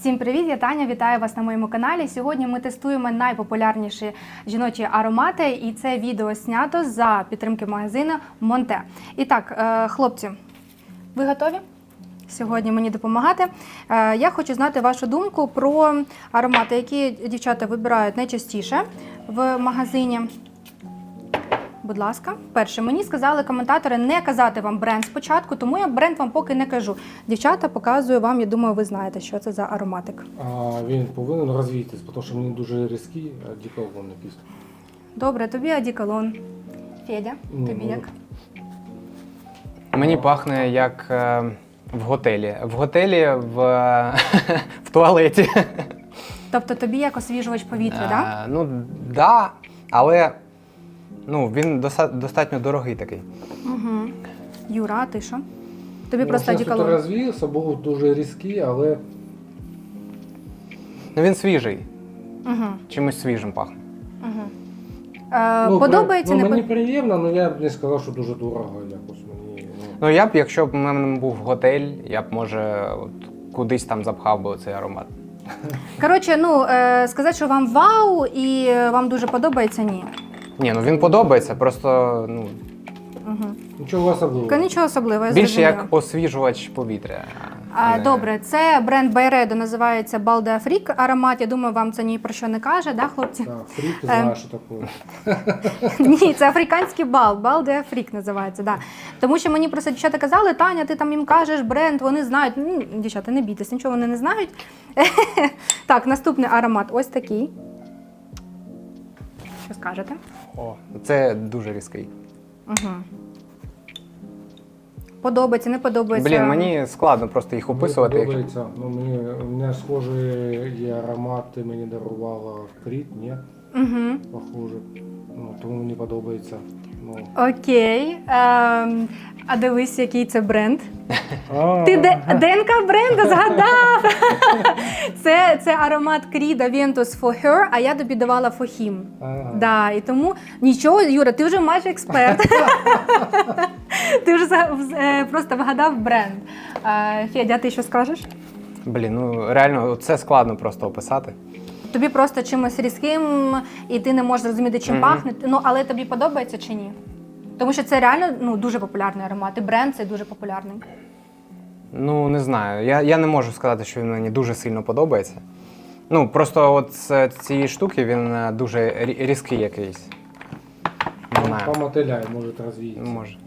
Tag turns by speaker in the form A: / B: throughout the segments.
A: Всім привіт, я Таня, вітаю вас на моєму каналі. Сьогодні ми тестуємо найпопулярніші жіночі аромати, і це відео знято за підтримки магазину Монте. І так, хлопці, ви готові сьогодні мені допомагати? Я хочу знати вашу думку про аромати, які дівчата вибирають найчастіше в магазині. Будь ласка. Перше, мені сказали коментатори не казати вам бренд спочатку, тому я бренд вам поки не кажу. Дівчата, показую вам, я думаю, ви знаєте, що це за ароматик.
B: Він повинен розвіятись, тому що мені дуже різкий, одеколон якийсь.
A: Добре, тобі одеколон. Федя, тобі як?
C: Мені пахне як в готелі. В готелі, в туалеті.
A: Тобто тобі як освіжувач повітря, так?
C: Ну, да, але він достатньо дорогий такий.
A: Угу. Юра, а ти що? Тобі просто
B: Зараз
A: одеколон.
B: розвіявся, був дуже різкий, але...
C: Він свіжий.
A: Угу.
C: Чимось свіжим пахне.
A: Угу. Подобається?
B: Мені приємно, але я б не сказав, що дуже дорого якось мені.
C: Ну, якщо б у мене був готель, я б, може, кудись там запхав би цей аромат.
A: Коротше, сказати, що вам вау і вам дуже подобається, ні.
C: Ні, він подобається, просто,
A: Угу.
B: Нічого особливого.
A: Нічого особливого, я
C: більше
A: зрозуміла.
C: як освіжувач повітря.
A: Добре, це бренд Byredo, називається Bal d'Afrique аромат. Я думаю, вам це ні про що не каже, да, хлопці?
B: Так, фрік, ти знаєш, що таке.
A: Ні, це африканський бал, Bal d'Afrique називається, да. Тому що мені просто дівчата казали, Таня, ти там їм кажеш бренд, вони знають. Дівчата, не бійтесь, нічого вони не знають. Так, наступний аромат ось такий. Що скажете?
C: О, це дуже різкий.
A: Угу. Подобається, не подобається?
C: Блін, мені складно просто їх описувати.
B: Мені подобається. У мене схожі є аромати, мені дарувала Кріт, ні?
A: Угу.
B: Похоже. Тому мені подобається.
A: Окей. А дивись, який це бренд. Ти ДНК бренду згадав! Це аромат Creed Aventus For Her, а я тобі давала For Him. Да, і тому нічого, Юра, ти вже майже експерт. Ти вже просто вгадав бренд. Федя, ти що скажеш?
C: Блін, реально, це складно просто описати.
A: Тобі просто чимось різким, і ти не можеш зрозуміти, чим пахне. Але тобі подобається чи ні? Тому що це реально дуже популярний аромат, і бренд цей дуже популярний.
C: Не знаю. Я не можу сказати, що він мені дуже сильно подобається. Просто от з цієї штуки він дуже різкий якийсь. Не знаю.
B: Помотиляй, може розвіятися.
C: Може.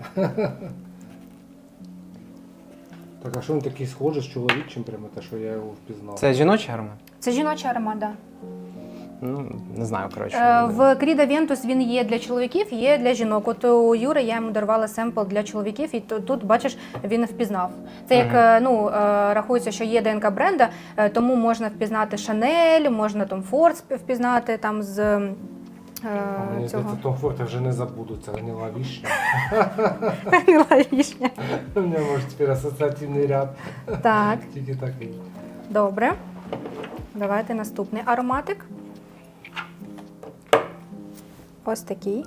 B: Так, а що він такий схожий з чоловічим, прямо те, що я його впізнав?
C: Це жіночий аромат?
A: Це жіночий аромат, так.
C: Не знаю, коротше.
A: В Creed Aventus він є для чоловіків, є для жінок. От у Юри я йому дарувала семпл для чоловіків, і тут, бачиш, він впізнав. Це як, рахується, що є ДНК бренда, тому можна впізнати Chanel, можна Tom Ford впізнати там з
B: Мені
A: цього.
B: здається, Tom Ford я вже не забуду, це гнила вишня.
A: Гнила вишня.
B: У мене, може, тепер асоціативний ряд.
A: Так,
B: Тільки такий.
A: добре. Давайте наступний ароматик. Ось такий.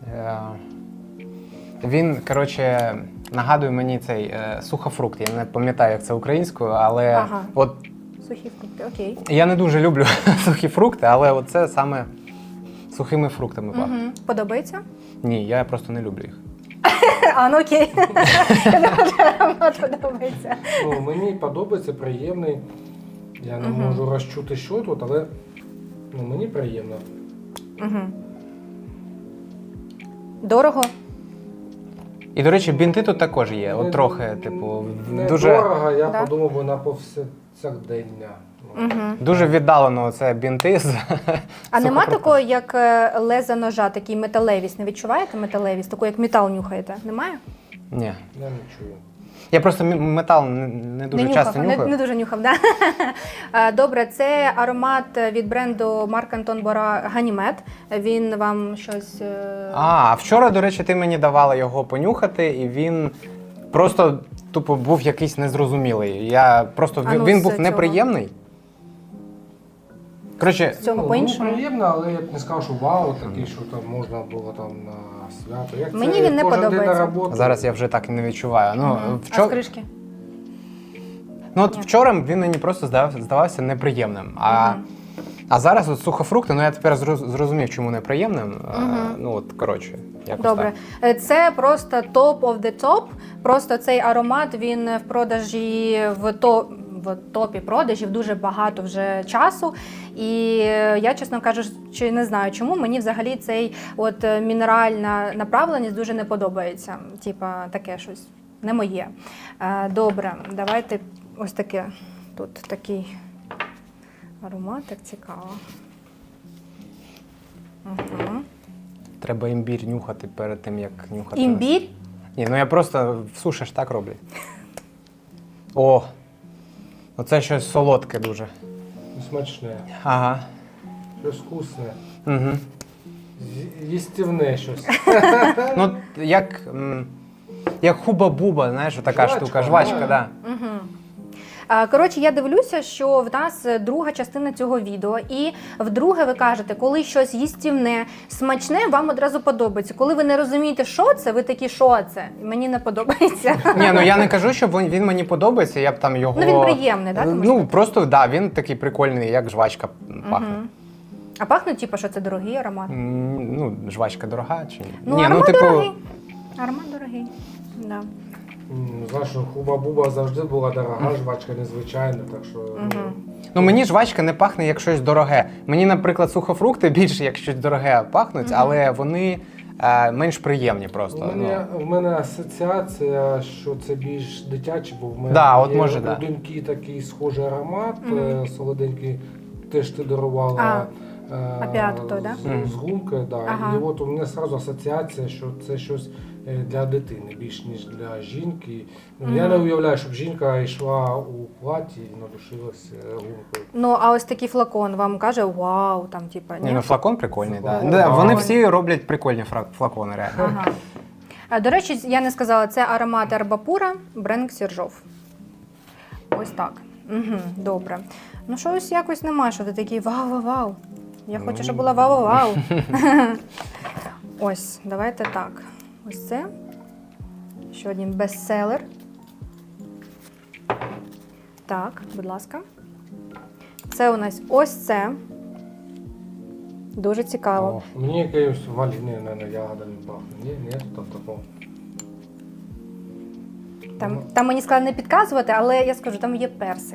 C: Він, коротше, нагадує мені цей сухофрукт. Я не пам'ятаю, як це українською, але от
A: Сухі фрукти, окей.
C: я не дуже люблю сухі фрукти, але от це саме сухими фруктами пахне.
A: Подобається?
C: Ні, я просто не люблю їх.
A: Окей. Аромат подобається.
B: Мені подобається, приємний. Я не можу розчути, що тут, але мені приємно.
C: Дорого. І, до речі, бінти тут також є. От трохи,
B: Не
C: дуже...
B: дорого, я подумав би на повсякдення.
C: Дуже віддалено це бінти з
A: А нема такого, як леза ножа, такий металевість? Не відчуваєте металевість? Таку, як метал нюхаєте? Немає?
C: Ні.
B: Я не чую.
C: Я просто метал не дуже часто нюхаю.
A: Не дуже нюхав, да? Добре, це аромат від бренду Марк Антон Бора Ганімед. Він вам щось...
C: А вчора, до речі, ти мені давала його понюхати, і він просто тупо був якийсь незрозумілий. Він був неприємний. Коротше,
B: приємно, але я б не сказав, що вау, такий, що там можна було там на свято. Як
A: мені
B: це,
A: він не
B: кожен день
A: подобається.
B: на роботу.
C: Зараз я вже так і не відчуваю.
A: А з кришки?
C: Ну от
A: Ні.
C: вчора він мені просто здавався неприємним. А зараз от сухофрукти, ну я тепер зрозумів, чому неприємним. Ну от, коротше, якось
A: Добре.
C: так.
A: Це просто top of the top. Просто цей аромат, він в продажі в топі продажів дуже багато вже часу. І я, чесно кажучи, не знаю, чому мені взагалі цей от мінеральна направленість дуже не подобається. Типа таке щось не моє. Добре, давайте ось таке. Тут такий аромат, так цікаво. Угу.
C: Треба імбір нюхати перед тим, як нюхати.
A: Імбір?
C: Ні, ну я просто в суші ж так роблять. О! Оце щось солодке дуже.
B: Смачне,
C: Ага.
B: щось вкусне,
C: Угу.
B: їстівне щось.
C: Ну, як хуба-буба, знаєш, така
B: Жвачка,
C: штука, жвачка,
B: да.
C: да.
A: Коротше, я дивлюся, що в нас друга частина цього відео, і вдруге ви кажете, коли щось їстівне, смачне, вам одразу подобається. Коли ви не розумієте, що це, ви такі, що це? Мені не подобається.
C: Ні, ну я не кажу, що він мені подобається, я б там його...
A: Ну він приємний, так?
C: Ну, просто, да, він такий прикольний, як жвачка пахне.
A: А пахне, типу, що це дорогий аромат?
C: Ну, жвачка дорога чи ні?
A: Ну,
C: Ні,
A: аромат
C: типу,
A: дорогий. Аромат дорогий, да.
B: Знаєш, хуба-буба завжди була дорога, жвачка незвичайна, так що...
C: ну мені жвачка не пахне як щось дороге. Мені, наприклад, сухофрукти більше як щось дороге пахнуть, але вони менш приємні просто.
B: У мене асоціація, що це більш дитячий, бо в мене
C: Да, от
B: є
C: може,
B: у
C: да.
B: доньки такий схожий аромат, солоденький, теж ти дарувала.
A: Опіат той, да?
B: З гумкою, да.
A: Ага.
B: І от у мене одразу асоціація, що це щось для дитини, більш ніж для жінки. Ну, я не уявляю, щоб жінка йшла у платі і надушилась гумкою.
A: Ну, а ось такий флакон вам каже, вау, там, типа,
C: Ні, ну флакон прикольний,
B: Флакон.
C: да. Вони
A: Прикольний.
C: всі роблять прикольні флакони, реально.
A: Ага. До речі, я не сказала, це аромат Арбапура, бренд Сержов. Ось так. Угу, добре. Ну, щось якось немає, що ти такий вау-вау-вау. Я хочу, щоб була вау-вау. Ось, давайте так. Ось це. Ще один бестселер. Так, будь ласка. Це у нас ось це. Дуже цікаво.
B: Мені якоюсь валіни, ягодами пахне. Ні, там такого.
A: Там мені сказали не підказувати, але я скажу, там є персик.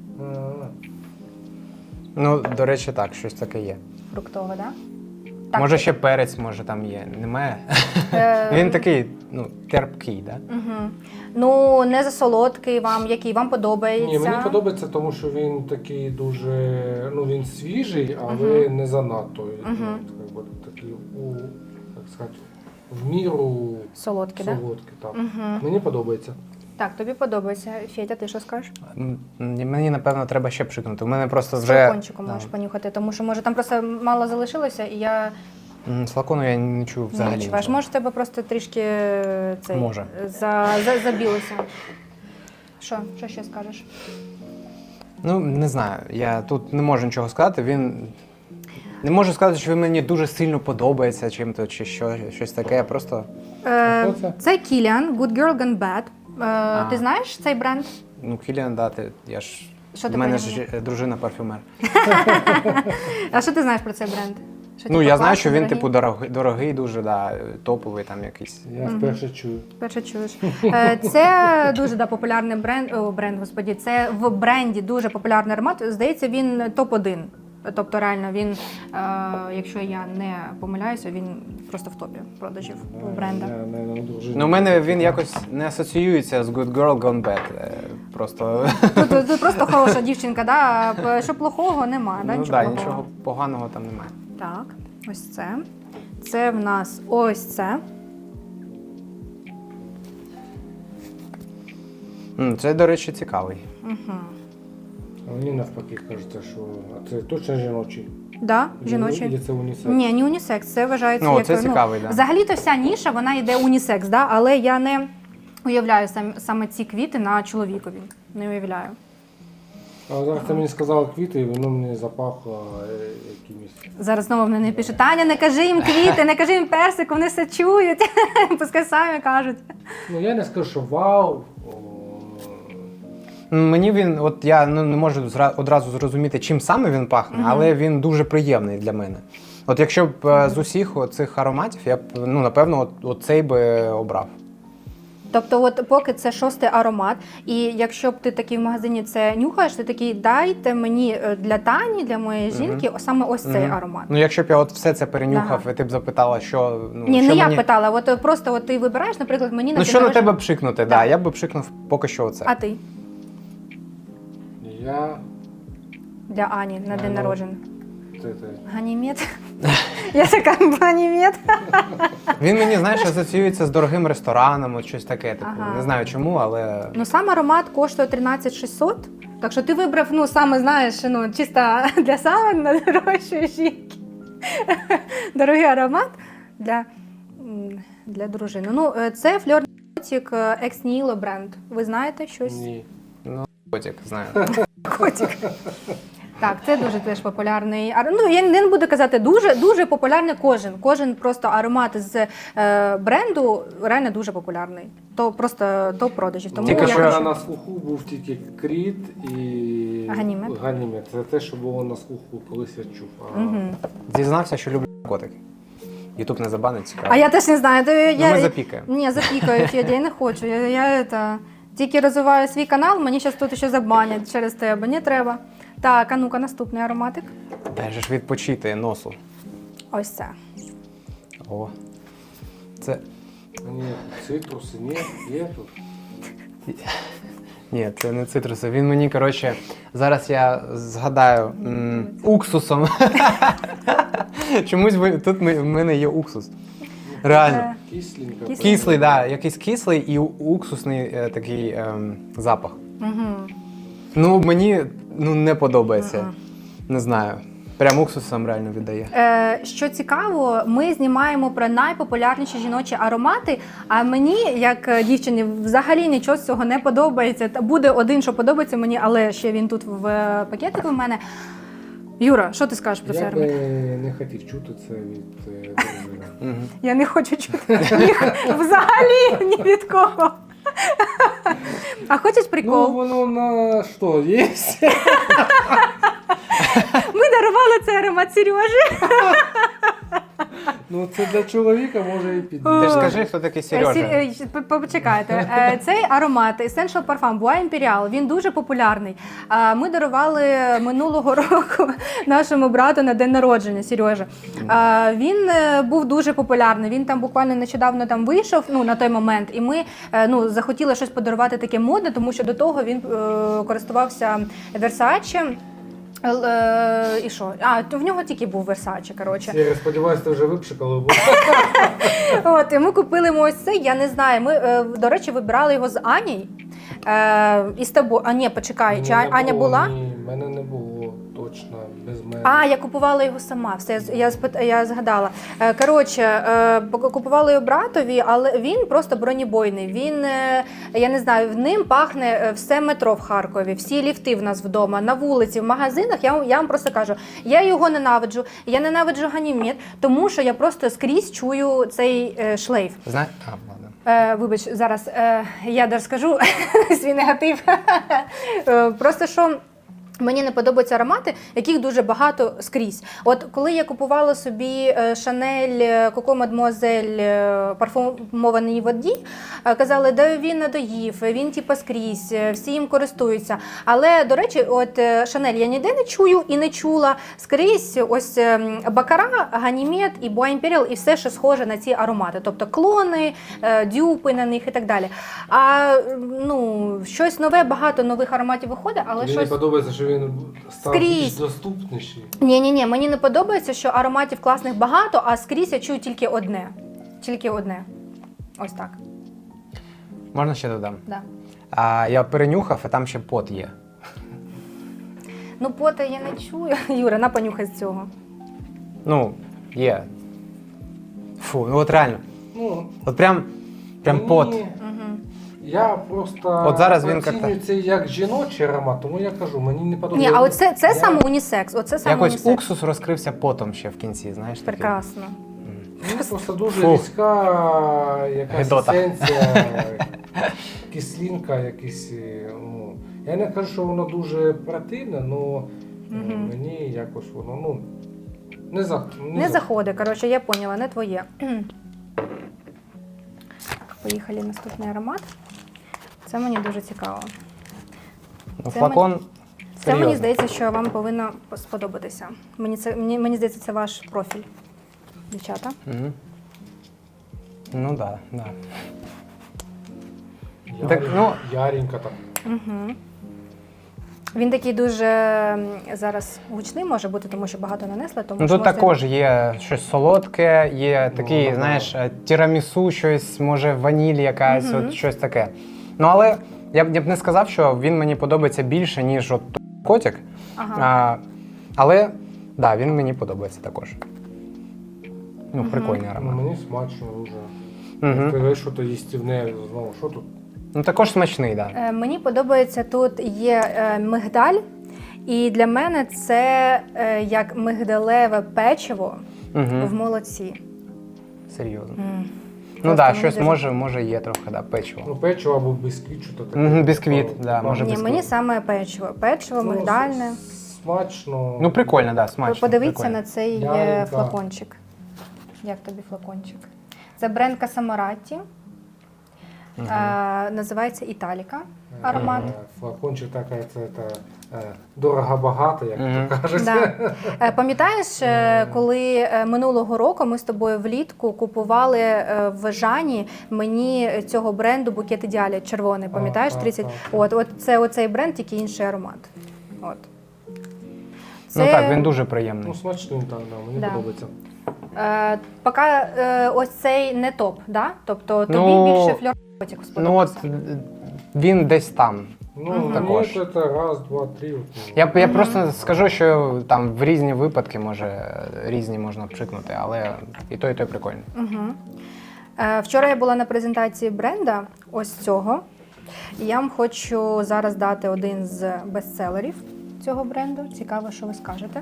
C: Ну, до речі, так, щось таке є.
A: Фруктове, так? Так.
C: Може ще перець, може там є. Немає? Він такий, ну, терпкий, так? Да?
A: Угу. Ну, не засолодкий вам, який вам подобається.
B: Ні, мені подобається, тому що він такий дуже, ну він свіжий, але не занадто. Якби, такий, як сказати, в міру
A: Солодкий, так?
B: солодкий. Так. Мені подобається.
A: Так, тобі подобається. Федя, ти що скажеш?
C: Мені, напевно, треба ще пшикнути. У мене просто
A: З
C: вже...
A: флакончиком
C: Да.
A: можеш понюхати, тому що, може, там просто мало залишилося, і я
C: З флакону я не чую
A: не
C: взагалі.
A: відчуваєш.
C: нічого.
A: Може, тебе просто трішки цей,
C: Може.
A: забілося. Що ще скажеш?
C: Ну, не знаю. Я тут не можу нічого сказати. Не можу сказати, що він мені дуже сильно подобається чим-то, чи щось таке. Просто...
B: Хто це?
A: Це Kilian, Good Girl Gone Bad. Ти знаєш цей бренд?
C: Ну, Кіліан, да, я ж...
A: Що ти
C: У мене
A: про
C: ж дружина парфюмер.
A: А що ти знаєш про цей бренд? Що,
C: Ну,
A: типу,
C: я знаю,
A: класний,
C: що він,
A: дорогий?
C: типу, дорогий дуже, да, топовий там якийсь.
B: Я вперше чую.
A: Перше чуєш. Це дуже популярний господі. Це в бренді дуже популярний аромат. Здається, він топ-1. Тобто, реально, він, якщо я не помиляюся, він просто в топі продажів у бренда.
B: Я не дружина.
C: Ну, у мене він якось не асоціюється з Good Girl Gone Bad. Просто...
A: Тут просто хороша дівчинка, да? Що плохого немає, да?
C: Ну,
A: Нічого
C: да,
A: плохого.
C: нічого поганого там немає.
A: Так, ось це. Це в нас ось це.
C: Це, до речі, цікавий.
B: А мені навпаки кажеться, що а це точно жіночий?
A: Да,
B: Чи
A: жіночий.
B: це унісекс?
A: Ні, не унісекс, це вважається
C: Ну,
A: як...
C: це цікавий, да.
A: Взагалі-то вся ніша, вона йде унісекс, да? Але я не уявляю саме ці квіти на чоловікові. Не уявляю.
B: А зараз ти мені сказала квіти, і воно мені запахло якимось.
A: Зараз знову в мене пишуть, Таня, не кажи їм квіти, не кажи їм персик, вони все чують. Пускай самі кажуть.
B: Ну я не скажу, що вау.
C: Мені він, от я не можу одразу зрозуміти, чим саме він пахне, але він дуже приємний для мене. От якщо б з усіх цих ароматів, я б, ну, напевно, от цей би обрав.
A: Тобто, от поки це 6-й аромат, і якщо б ти такий в магазині це нюхаєш, ти такий, дайте мені для Тані, для моєї жінки, саме ось цей аромат.
C: Ну, якщо б я от все це перенюхав, і ти б запитала, що... Ну,
A: Ні,
C: що
A: не
C: мені...
A: я питала, от просто от ти вибираєш, наприклад, мені на
C: Ну, що на тебе пшикнути,
A: Да.
C: я б пшикнув поки що оце.
A: А ти?
B: Я...
A: Для Ані на день народження.
B: Це.
A: Ганімед. Я така, ганімед.
C: Він мені, знаєш, асоціюється з дорогим рестораном, от щось таке, типу.
A: Ага.
C: Не знаю чому, але...
A: Ну, сам аромат коштує 13 600, так що ти вибрав, ну, саме, знаєш, ну, чисто для саме найдорожчої жінки. Дорогий аромат для дружини. Ну, це Fleur de Cotic Ex Nihilo бренд. Ви знаєте щось?
B: Ні.
C: Котик, знаю.
A: Котик. Так, це дуже теж популярний. Ну, я не буду казати дуже популярний кожен просто аромат з бренду реально дуже популярний. То просто топ продажів. Тому
C: Тільки
A: я
C: що
A: хочу...
B: на слуху був тільки Кріт і
A: Ганімед.
B: Це те, що було на слуху, колись я чув.
C: Дізнався, що люблю котики. Ютуб не забанить, цікаво.
A: А я теж не знаю.
C: Ми запікаємо.
A: Ні, запікаю, Федя, я не хочу. Я тільки розвиваю свій канал, мені зараз тут ще забанять через тебе, не треба. Так, а ну-ка, наступний ароматик.
C: Дай же ж відпочити носу.
A: Ось це.
C: О. Це...
B: Ні, цитруси, ні, є тут.
C: Ні, це не цитруси. Він мені, коротше, зараз я згадаю уксусом. Чомусь тут в мене є уксус. Реально.
B: Кисленька.
C: Кислий, так, да, якийсь кислий і уксусний такий запах. Ну, мені не подобається. Не знаю. Прям уксусом реально віддає.
A: Що цікаво, ми знімаємо про найпопулярніші жіночі аромати, а мені, як дівчині, взагалі нічого з цього не подобається. Буде один, що подобається мені, але ще він тут в пакетику в мене. Юра, що ти скажеш про цей
B: Я
A: аромат?
B: би не хотів чути це від дружини.
A: Я не хочу чути їх взагалі ні від кого. А хочеш
B: Ну,
A: прикол?
B: воно на що, є?
A: Ми дарували цей аромат Сережі.
B: Ну, це для чоловіка може і підійти.
C: Ти ж скажи, хто такий Сережа.
A: Почекайте. Цей аромат Essential Parfum Bois Imperial, він дуже популярний. Ми дарували минулого року нашому брату на день народження, Сережа. Він був дуже популярний. Він там буквально нещодавно там вийшов, ну, на той момент, і ми захотіли щось подарувати таке модне, тому що до того він користувався Versace. І що? В нього тільки був Versace, коротше.
B: Я сподіваюся, ти вже випшикали.
A: От, і ми купили ось цей, я не знаю, ми, до речі, вибирали його з Анією. І з тобою, ні, почекай, чи Аня була?
B: Ні, в мене не було точно, без мене.
A: Я купувала його сама, все, я згадала. Коротше, купувала його братові, але він просто бронебойний. Він, я не знаю, в ним пахне все метро в Харкові, всі ліфти в нас вдома, на вулиці, в магазинах. Я вам просто кажу, я його ненавиджу, я ненавиджу Ганімед, тому що я просто скрізь чую цей шлейф.
C: Знаєш?
A: Вибач, зараз я розкажу свій негатив. Просто що мені не подобаються аромати, яких дуже багато скрізь. От коли я купувала собі Chanel Coco Mademoiselle парфумованій воді, казали, да він надоїв, він типу скрізь, всі їм користуються. Але, до речі, от Chanel я ніде не чую і не чула. Скрізь ось Бакара, Ганімед і Bois Imperial і все, що схоже на ці аромати. Тобто клони, дюпи на них і так далі. А щось нове, багато нових ароматів виходить, але
B: Мені
A: щось...
B: не подобається, що він став
A: Скрізь.
B: більш доступніший.
A: Ні, мені не подобається, що ароматів класних багато, а скрізь я чую тільки одне. Тільки одне. Ось так.
C: Можна ще додам?
A: Да.
C: Я перенюхав, а там ще пот є.
A: Ну, пота я не чую. Юра, на понюхай з цього.
C: Ну, є. Фу, ну от реально.
B: Ну,
C: От прям пот.
B: Я просто
C: От зараз він
B: оцінюю це як жіночий аромат, тому я кажу, мені не подобається.
A: Ні, а оце це саме унісекс. Оце саме
C: Якось
A: унісекс.
C: уксус розкрився потом ще в кінці, знаєш? такий.
A: Прекрасно.
B: Ну, просто дуже
C: Фу.
B: різка якась
C: Гидота.
B: есенція, кислинка, якісь, Я не кажу, що воно дуже противне, але мені якось воно, ну,
A: Не заходить, коротше, я поняла, не твоє. Поїхали наступний аромат. Це мені дуже цікаво.
C: Ну,
A: Це
C: флакон
A: Це мені
C: серйозний.
A: здається, що вам повинно сподобатися. Мені здається, це ваш профіль, дівчата.
C: Мгм. Ну так, да, да. Так, ну-
B: Яренька так.
A: Угу. Він такий дуже зараз гучний може бути, тому що багато нанесли. Тому
C: Ну
A: що
C: тут
A: можете-
C: також є щось солодке, є такий,
B: да.
C: знаєш, тірамісу, щось, може ваніль якась, от щось таке. Ну але я б не сказав, що він мені подобається більше, ніж от котик.
A: Ага.
C: Але да, він мені подобається також. Ну, прикольний
B: Ну,
C: аромат.
B: мені смачно дуже.
C: Мгм.
B: Ти що то їстівне, знову, що тут?
C: Ну також смачний, так. Да.
A: Мені подобається, тут є мигдаль, і для мене це як мигдалеве печиво в
C: Угу.
A: молоці.
C: Серйозно.
A: М.
C: Ну
A: Просто
C: так,
A: мені
C: щось
A: дуже-
C: може є трохи, да, печиво.
B: Ну, печиво або бісквіт, що то таке.
C: Мгм, бісквіт,
B: Типа,
C: да, може
A: Ні,
C: бісквіт.
A: мені саме печиво. Печиво,
B: ну,
A: мигдальне.
B: Смачно.
C: Ну прикольно, да, смачно.
A: Подивіться
C: прикольно.
A: на цей
B: Яренька.
A: флакончик. Як тобі флакончик? Це бренд Касамараті. Називається Італіка аромат.
B: Флакончик така, це дорого-багато, як
C: Мгм.
B: то кажуть.
A: Да. Пам'ятаєш, коли минулого року ми з тобою влітку купували в Жані мені цього бренду букет ідеалі червоний, пам'ятаєш?
B: так,
A: 30?
B: так.
A: От це оцей бренд, тільки інший аромат. От.
C: Ну так, він дуже приємний.
B: Ну, смачний там, да, мені
A: Да.
B: подобається.
A: Поки ось цей не топ, да? Тобто тобі
C: Ну,
A: більше фльор котик
C: Ну от
A: сподобався.
C: він десь там.
B: Ну,
C: Також.
B: мені це раз, два, три. От, ну.
C: Я просто скажу, що там в різні випадки може різні можна пшикнути, але і той прикольний.
A: Угу. Вчора я була на презентації бренда ось цього. І я вам хочу зараз дати один з бестселерів цього бренду. Цікаво, що ви скажете.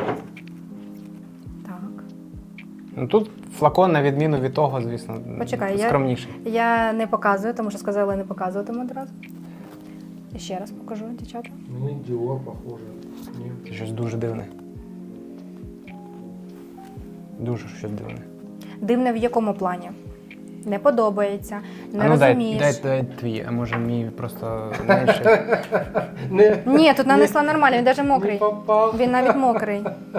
A: Так.
C: Ну тут флакон, на відміну від того, звісно,
A: Почекай,
C: скромніший.
A: Я не показую, тому що сказали не показуватиму одразу. І ще раз покажу, дівчата.
B: Мені Dior похоже. Ні.
C: Це щось дуже дивне. Дуже щось дивне.
A: Дивне в якому плані? Не подобається, не
C: А ну
A: розумієш.
C: дай твій, а може мій просто менше.
B: Не,
A: Ні, тут нанесла нормально, він навіть
B: не
A: мокрий.
B: попав.
A: Він навіть мокрий.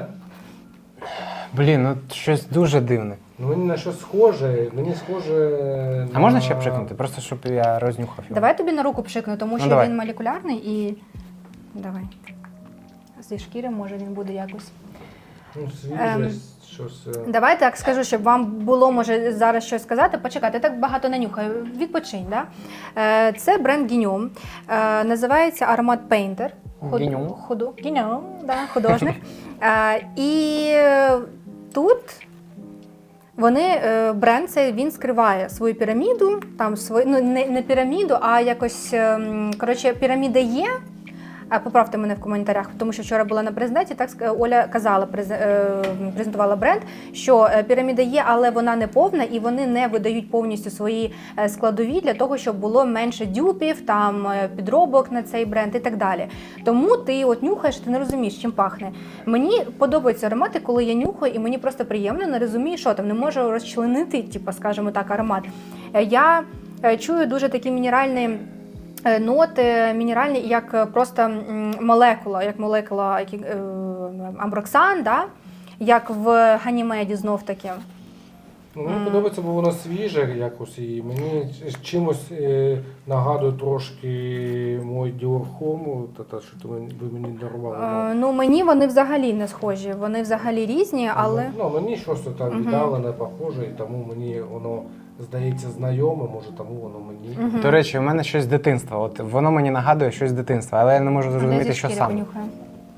C: Блін, ну щось дуже дивне.
B: Ну, мені на щось схоже. Мені схоже.
C: А можна ще пшикнути? Просто щоб я рознюхав його.
A: Давай тобі на руку пшикну, тому що
C: давай.
A: він молекулярний і. Давай. Зі шкіри, може, він буде якось.
B: Ну, свіже, щось.
A: Давай так скажу, щоб вам було може зараз щось сказати. Почекайте, так багато не нюхаю. Відпочинь, да? Це бренд Guignol. Називається аромат Painter.
C: Guignol?
A: Guignol, да, художник. І тут вони, бренд цей, він скриває свою піраміду, там свою, ну не піраміду, а якось, коротше, піраміда є. Поправте мене в коментарях, тому що вчора була на презентації, так Оля казала, презентувала бренд, що піраміда є, але вона не повна, і вони не видають повністю свої складові для того, щоб було менше дюпів, там підробок на цей бренд і так далі. Тому ти от нюхаєш, ти не розумієш, чим пахне. Мені подобаються аромати, коли я нюхаю, і мені просто приємно, не розумію, що там, не можу розчленити, типу, скажімо так, аромат. Я чую дуже такі мінеральні ноти мінеральні, як просто молекула амброксан, да? Як в Ганімеді знов таки.
B: Ну, мені подобається, бо воно свіже якось, і мені чимось нагадує трошки мой Dior Homme, що ви мені дарували.
A: Ну, мені вони взагалі не схожі, вони взагалі різні, але...
B: Ну, мені щось там віддалене, похоже, і тому мені воно здається знайоме, може тому воно мені.
C: До речі, у мене щось з дитинства. От воно мені нагадує щось з дитинства, але я не можу
A: А де
C: зрозуміти,
A: зі
C: що
A: шкіри
C: саме.
A: понюхаю?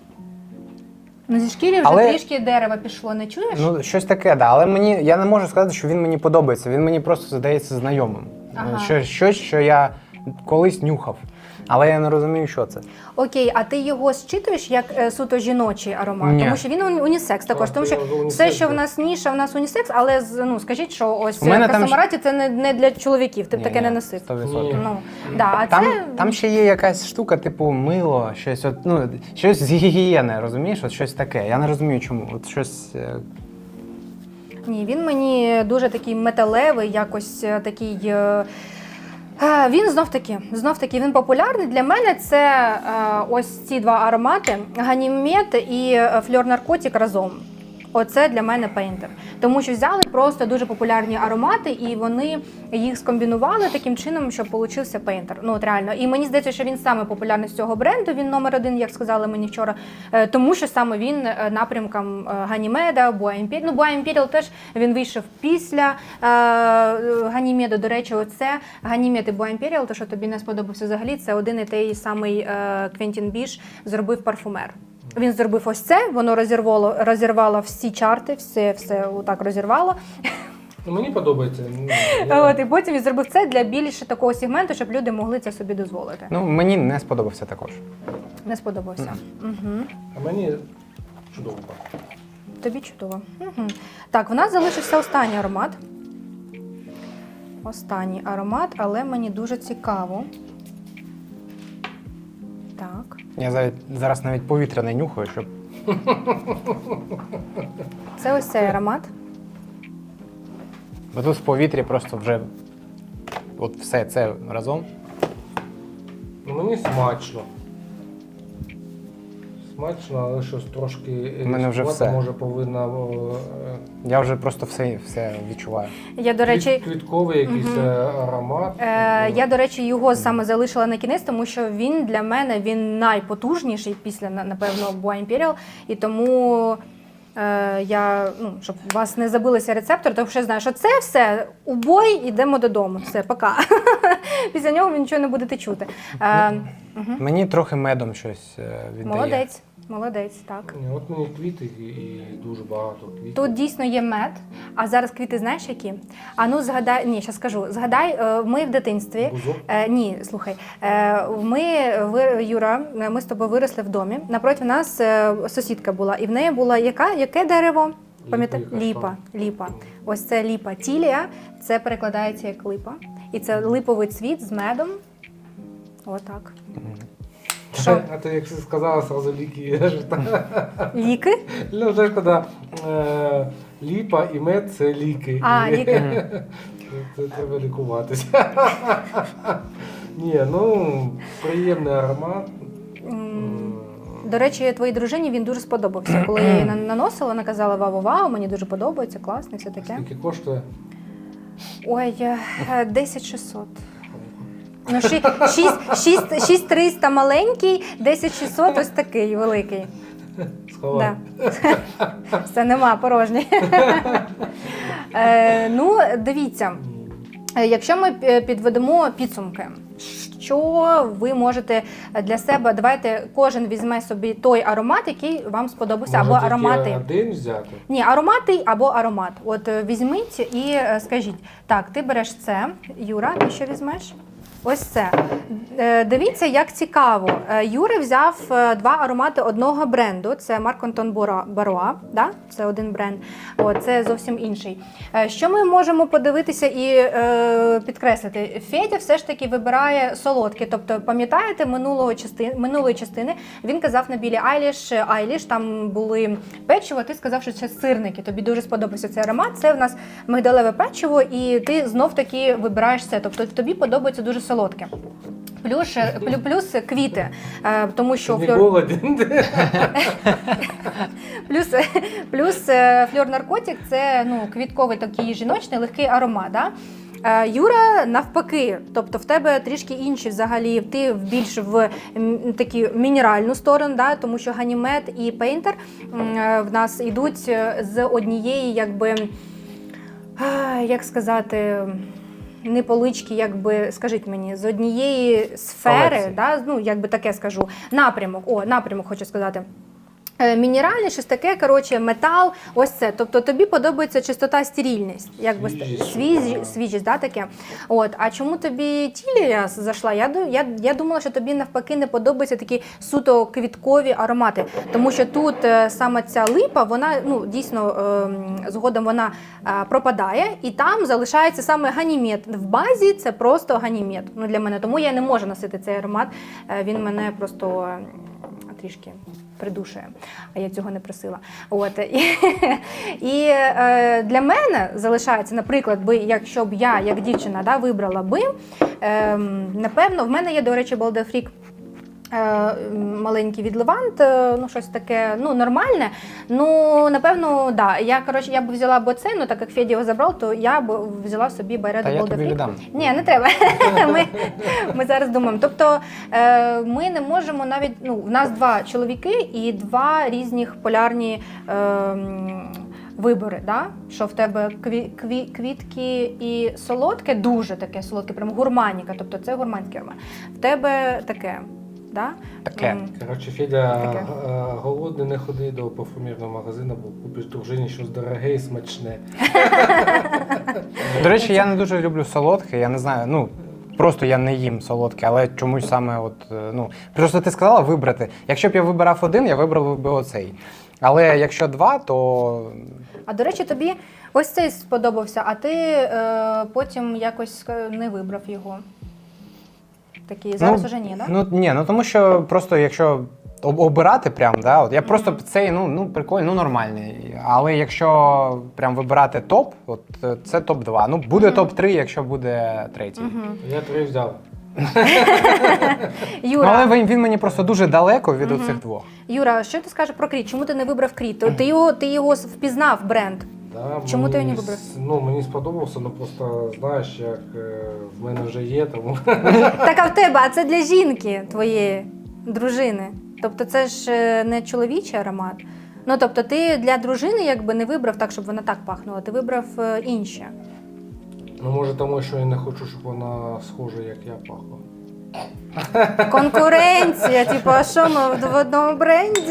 A: Ну, зі шкіри вже
C: Але-
A: трішки дерева пішло, не чуєш?
C: Ну, щось таке, да. Але я не можу сказати, що він мені подобається. Він мені просто здається знайомим.
A: Ага.
C: Щось, що я колись нюхав. Але я не розумію, що це.
A: Окей, а ти його зчитуєш як суто жіночий аромат?
C: Ні.
A: Тому що він унісекс також.
B: Так,
A: Тому що
B: я унісекс,
A: все, що в
B: да.
A: нас ніша, в нас унісекс, але ну, скажіть, що ось
C: У мене там
A: Касамараті це не для чоловіків, ти б
C: Ні,
A: таке не
C: ні,
A: носив.
C: 100%.
B: Ні.
A: Ну, да, а
C: Там,
A: це...
C: там ще є якась штука, типу мило, щось, щось з гігієни, розумієш? От щось таке. Я не розумію, чому. От щось.
A: Ні, він мені дуже такий металевий, якось такий. Він знов таки він популярний. Для мене це ось ці два аромати Ганімед і Фльор Наркотик разом. Оце для мене пейнтер. Тому що взяли просто дуже популярні аромати, і вони їх скомбінували таким чином, щоб получився пейнтер. Ну, от реально. І мені здається, що він саме популярний з цього бренду, він номер один, як сказали мені вчора, тому що саме він напрямком Ганімеда, Boa Imperial. Ну, Boa Imperial теж він вийшов після Ганімеду. До речі, оце Ганімед і Boa Imperial, то, що тобі не сподобався взагалі, це один і той самий Квентін Біш зробив парфумер. Він зробив ось це, воно розірвало всі чарти, все отак розірвало.
B: Ну, мені подобається.
A: От, і потім він зробив це для більше такого сегменту, щоб люди могли це собі дозволити.
C: Ну, мені не сподобався також.
A: Не сподобався. Угу.
B: А мені чудово.
A: Тобі чудово. Угу. Так, в нас залишився останній аромат. Останній аромат, але мені дуже цікаво. Так.
C: Я зараз навіть повітря не нюхаю, щоб.
A: Це ось цей аромат.
C: Бо тут в повітрі просто вже от все це разом.
B: Ну, мені смачно. Смачно, але щось трошки
C: У мене вже
B: різкувато,
C: все.
B: може повинна
C: Я вже просто все відчуваю.
A: Я, до речі,
B: квітковий якийсь аромат.
A: Я, до речі, його саме залишила на кінець, тому що він для мене він найпотужніший після, напевно, Boa Imperial. І тому я, ну, щоб у вас не забилися рецептори, тому що я знаю, що це все, у бой, йдемо додому. Все, пока. Після нього ви нічого не будете чути.
C: Мені трохи медом щось віддає.
A: Молодець, так.
B: Ні, от мені квіти і дуже багато квітів.
A: Тут дійсно є мед, а зараз квіти знаєш які? А ну згадай, ні, зараз скажу. Згадай, ми в дитинстві.
B: Бузок?
A: Ні, слухай. Юра, ми з тобою виросли в домі. Напроти нас сусідка була, і в неї була яке дерево? Пам'ятаєш? Ліпа. Ось це ліпа. Тілія, це перекладається як липа. І це липовий цвіт з медом. Отак. Що?
B: А ти як сказала, сразу ліки.
A: Ліки?
B: Ну, знаєш, коли ліпа і мед – це ліки.
A: А, ліки.
B: Це треба лікуватися. Ні, ну, приємний аромат.
A: До речі, твоїй дружині він дуже сподобався. Коли я її наносила, вона казала вау-вау, мені дуже подобається, класно, все таке.
B: Скільки коштує?
A: Ой, 10600. Ну, 6300 маленький, 10600 ось такий великий.
B: Сховай.
A: Да. Все, нема, порожній. Ну, дивіться, якщо ми підведемо підсумки, що ви можете для себе, давайте кожен візьме собі той аромат, який вам сподобався, або
B: Може,
A: аромати.
B: тільки один взяти?
A: Ні, аромати або аромат. От візьміть і скажіть, так, ти береш це, Юра, ти що візьмеш? Ось це. Дивіться, як цікаво. Юра взяв два аромати одного бренду. Це Марк Антон Баруа, да? Це один бренд, це зовсім інший. Що ми можемо подивитися і підкреслити? Федя все ж таки вибирає солодкі. Тобто, пам'ятаєте, минулої частини він казав на Білі Айліш, там були печиво, ти сказав, що це сирники. Тобі дуже сподобався цей аромат. Це в нас мигдалеве печиво, і ти знов таки вибираєш це. Тобто тобі подобається дуже солодке. Плюс квіти, тому що
B: Ти не голоден.
A: плюс Фльор Наркотик – це квітковий такий жіночний легкий аромат. Да? Юра навпаки, тобто в тебе трішки інші взагалі, ти більш в таку мінеральну сторону, да? Тому що Ганімед і Пейнтер в нас йдуть з однієї, як сказати, не полички, скажіть мені, з однієї сфери, да, таке скажу, напрямок хочу сказати. мінеральне, щось таке, коротше, метал, ось це. Тобто тобі подобається чистота, стерильність, якби свіжість, да, таке. От. А чому тобі тілія зайшла? Я думала, що тобі навпаки не подобаються такі суто квіткові аромати, тому що тут саме ця липа, вона, ну, дійсно, згодом вона пропадає, і там залишається саме ганімед. В базі це просто ганімед, ну, для мене. Тому я не можу носити цей аромат, він мене просто трішки придушує, а я цього не просила. От. І для мене залишається, наприклад, якщо б я, як дівчина, да, вибрала би, напевно, в мене є, до речі, Балдефрік маленький від Левант, ну щось таке, ну нормальне. Ну, напевно, да. Я б взяла б оце, ну так як Федя його забрав, то я б взяла собі Байредо
C: Та я тобі
A: Balder Freak.
C: віддам.
A: Ні, не треба. Ми зараз думаємо. Тобто ми не можемо навіть, ну, в нас 2 чоловіки і 2 різних полярні вибори, да? Що в тебе квітки і солодке, дуже таке солодке, прямо гурманіка, тобто це гурманський аромат. В тебе таке. Да?
C: Таке.
B: Коротше, Федя,
A: Таке.
B: голодний не ходи до парфумерного магазину, бо купиш дружині щось дороге і смачне.
C: До речі, я не дуже люблю солодке, я не знаю, ну, просто я не їм солодке, але чомусь саме от, ну, просто ти сказала вибрати. Якщо б я вибирав один, я вибрав би оцей. Але якщо 2, то...
A: А до речі, тобі ось цей сподобався, а ти потім якось не вибрав його. Такий, зараз уже ні, так?
C: Ну тому що просто якщо обирати прям, да, от я просто цей, ну прикольний, ну нормальний. Але якщо прям вибирати топ, от це топ-2. Ну буде топ-3, якщо буде третій.
B: Я 3 взяв.
A: Юра,
C: Ну, але він мені просто дуже далеко від оцих 2.
A: Юра, що ти скажеш про Кріт? Чому ти не вибрав Кріт? Ти його впізнав, бренд.
B: Да,
A: Чому ти його
B: мені
A: не вибрав?
B: Ну, мені сподобався, ну просто знаєш, як в мене вже є, тому...
A: Так, а в тебе, а це для жінки твоєї, дружини. Тобто це ж не чоловічий аромат. Ну, тобто ти для дружини якби не вибрав так, щоб вона так пахнула, ти вибрав інше.
B: Ну, може тому, що я не хочу, щоб вона схожа, як я пахла.
A: Конкуренція, типу, а що ми в одному бренді?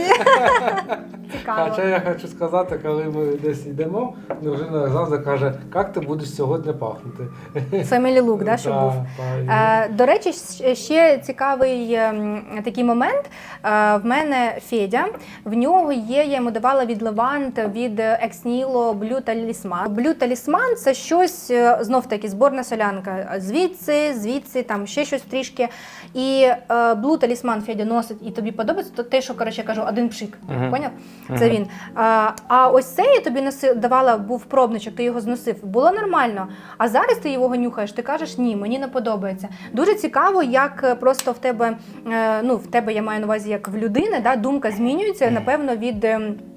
A: Цікаво.
B: Хоча я хочу сказати, коли ми десь йдемо, дружина завжди каже, як ти будеш сьогодні пахнути.
A: Family look, да, що був. До речі, ще цікавий такий момент. В мене Федя, в нього є, я йому давала від Левант, від Ex Nihilo Blue Talisman. Blue Talisman – це щось, знов-таки, зборна солянка. Звідси, там ще щось трішки. І Blue Talisman Федя носить, і тобі подобається, то те, що, коротше, я кажу, один пшик. Поняв? Це він. А ось це я тобі давала, був пробничок, ти його зносив. Було нормально. А зараз ти його нюхаєш, ти кажеш, ні, мені не подобається. Дуже цікаво, як просто в тебе, ну, в тебе, я маю на увазі, як в людини, да, думка змінюється, напевно, від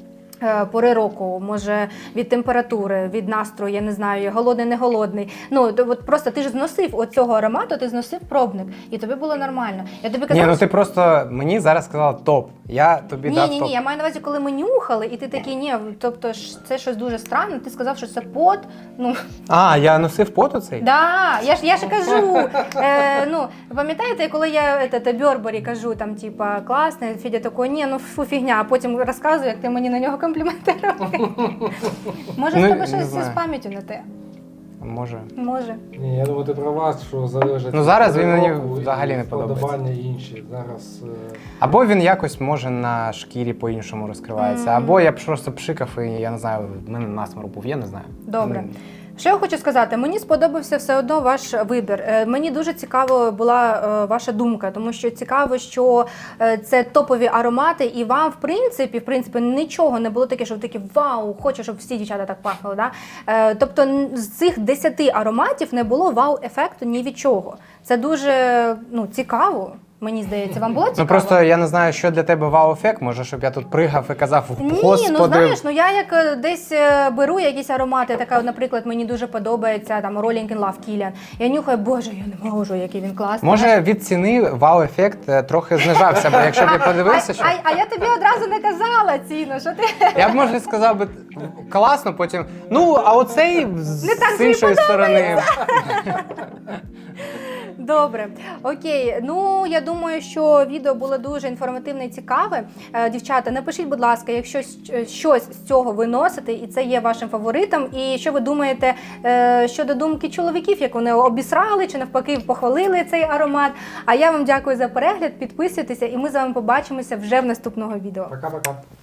A: пори року, може від температури, від настрою, я не знаю, голодний, не голодний. Ну, от просто ти ж зносив оцього аромату, ти зносив пробник, і тобі було нормально. Я тобі казала,
C: Ні, ну ти просто мені зараз сказала топ. Я тобі дав топ.
A: Ні, я маю на увазі, коли ми нюхали, і ти такий, ні, тобто це щось дуже странне, ти сказав, що це пот, ну...
C: А, я носив пот оцей?
A: Да, я ж кажу, ну, пам'ятаєте, коли я Бёрбері кажу, там, типа, класний, Федя такий, ні, ну, фу, фігня, а потім розказую, як ти мені на нього компліменти робив. Може, в тебе щось з пам'яттю не те?
C: Може.
A: Може.
B: Ні, я думаю, ти права, що залежить...
C: Ну, зараз він мені
B: року і
C: взагалі не подобається.
B: вподобання інші. Зараз...
C: Або він якось, може, на шкірі по-іншому розкривається, або я б просто пшикав і, я не знаю, в мене насморк був, я не знаю.
A: Добре. Що я хочу сказати, мені сподобався все одно ваш вибір. Мені дуже цікаво була ваша думка, тому що цікаво, що це топові аромати, і вам, в принципі, нічого не було таке, що ви такі, вау, хочу, щоб всі дівчата так пахли. Да? Тобто з цих 10 ароматів не було вау-ефекту ні від чого. Це дуже цікаво. Мені здається, вам було цікаво?
C: Ну просто я не знаю, що для тебе вау-ефект. Може, щоб я тут пригав і казав, господи.
A: Ні, ну знаєш, я як десь беру якісь аромати, така, наприклад, мені дуже подобається там Rolling in Love Kilian. Я нюхаю, боже, я не можу, який він класний.
C: Може, від ціни вау-ефект трохи знижався, бо якщо б я подивився, що...
A: А я тобі одразу не казала ціну, що ти...
C: Я б, може, сказав би класно, потім, а оцей
A: Не так
C: з іншої сторони.
A: Добре, окей. Ну я думаю, що відео було дуже інформативне і цікаве. Дівчата, напишіть, будь ласка, якщо щось з цього ви носите, і це є вашим фаворитом. І що ви думаєте щодо думки чоловіків, як вони обісрали чи навпаки похвалили цей аромат. А я вам дякую за перегляд. Підписуйтеся, і ми з вами побачимося вже в наступного відео.
B: Пока-пока.